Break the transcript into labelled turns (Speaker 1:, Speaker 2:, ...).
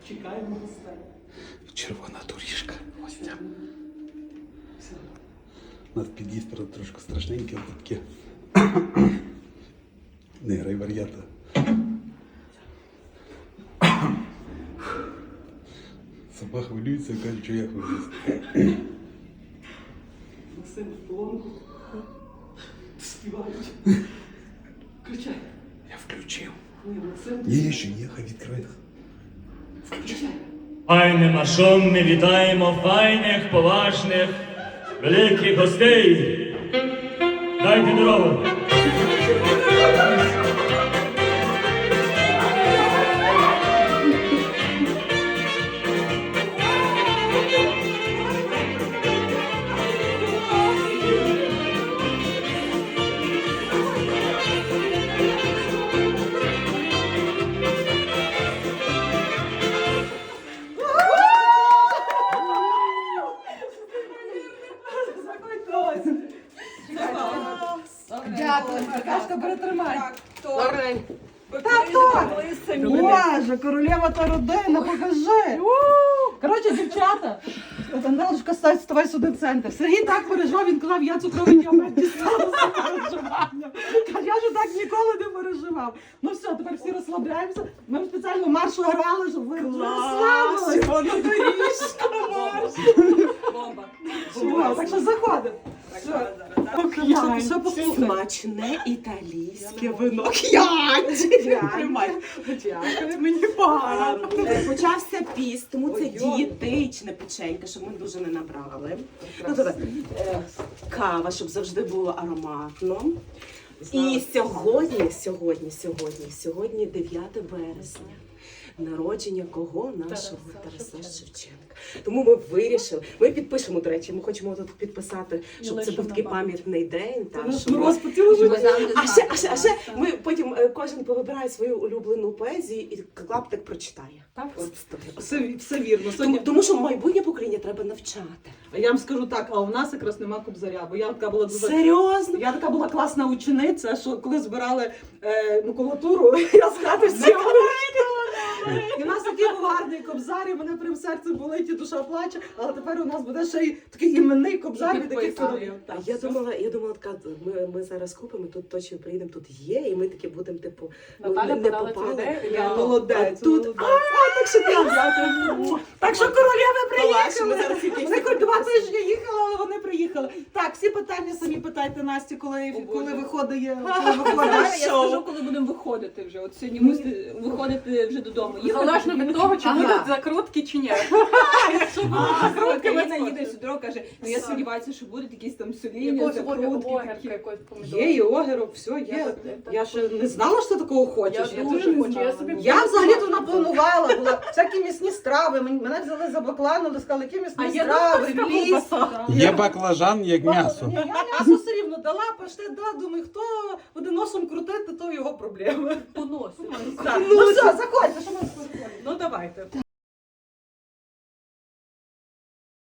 Speaker 1: Чекаємо гостей.
Speaker 2: Червона доріжка гостям. У нас під'їзд трошки страшненький, але таке. Не грай вар'ята. Собака хвилюється, каже, що я хвилююся.
Speaker 1: Максим в полонку. Співають. Включай.
Speaker 2: Я включив.
Speaker 1: Ні, Максим.
Speaker 2: Є, ще є, хай відкриє.
Speaker 1: Включай.
Speaker 3: Файне машон ми вітаємо файних, поважних, великих гостей. Дайте дорогу.
Speaker 4: Дякую, Аркашка, перетримай.
Speaker 5: Добре.
Speaker 4: Боже, королева та родина, покажи. Коротше, дівчата, Андалочка, ставай сюди в центр. Сергій так переживав, він казав, я цукровий діабет дістану з переживанням. Каже, я ж так ніколи не переживав. Ну все, тепер всі розслабляємося. Ми спеціально маршу грали, щоб ви розслабилися. Воно доріжка, марш.
Speaker 5: Бомба.
Speaker 4: Так що заходимо.
Speaker 5: Смачне італійське вино. Дякую, мені пара. Почався піст, тому це дієтичне печенька, щоб ми дуже не набрали. Ну, добре. Кава, щоб завжди було ароматно. І сьогодні 9 вересня. Народження кого? Нашого Тараса Шевченка. Тому ми вирішили, ми підпишемо, до речі, ми хочемо тут підписати, щоб це був такий пам'ятний день. А ще ми потім кожен повибирає свою улюблену поезію і клаптик прочитає.
Speaker 4: Так, все вірно.
Speaker 5: Тому що майбутнє покоління треба навчати.
Speaker 4: А я вам скажу так, а у нас якраз нема Кобзаря, бо я така була дуже...
Speaker 5: Серйозно?
Speaker 4: Я така була класна учениця, що коли збирали макулатуру, я з хати всього. І у нас такий був гарний Кобзар, і мене прям серце болить, і душа плаче, але тепер у нас буде ще й такий іменний Кобзар від таких королів.
Speaker 5: Я думала, така, ми зараз купимо, тут точно приїдемо, тут є, і ми такі будемо, типу,
Speaker 1: Наталя
Speaker 5: не
Speaker 1: подала цю
Speaker 5: попали.
Speaker 1: ідею,
Speaker 4: Я молодець.
Speaker 5: Тут, так що дякую.
Speaker 4: Так що королеви приїхали.
Speaker 5: Ми зараз якісь
Speaker 4: Вони хоч 2 тижні їхали, але вони приїхали. Так, всі питання самі питайте Насті, коли виходить.
Speaker 6: Я скажу, коли будемо виходити вже. От сьогодні мусите виходити вже додому.
Speaker 1: Залежно від того, чи будуть закрутки, чи ні.
Speaker 6: Якщо будуть закрутки, Ліна їде сюди, каже, ну я сподіваюся, що будуть якісь там соління, закрутки.
Speaker 4: Є і огірок, все є. Я ще не знала, що ти такого хочеш.
Speaker 1: Я дуже хочу.
Speaker 4: Я взагалі-то напланувала, була всякі м'ясні страви. Мене взяли за баклану, сказали, які м'ясні страви, ліс.
Speaker 2: Є баклажан, як м'ясо.
Speaker 4: Ні, я м'ясо все рівно дала, паштет, думаю, хто буде носом крутити, то його проблеми.
Speaker 1: Поносить.
Speaker 4: Ну все, заходьте, що ми спорили. Ну давайте.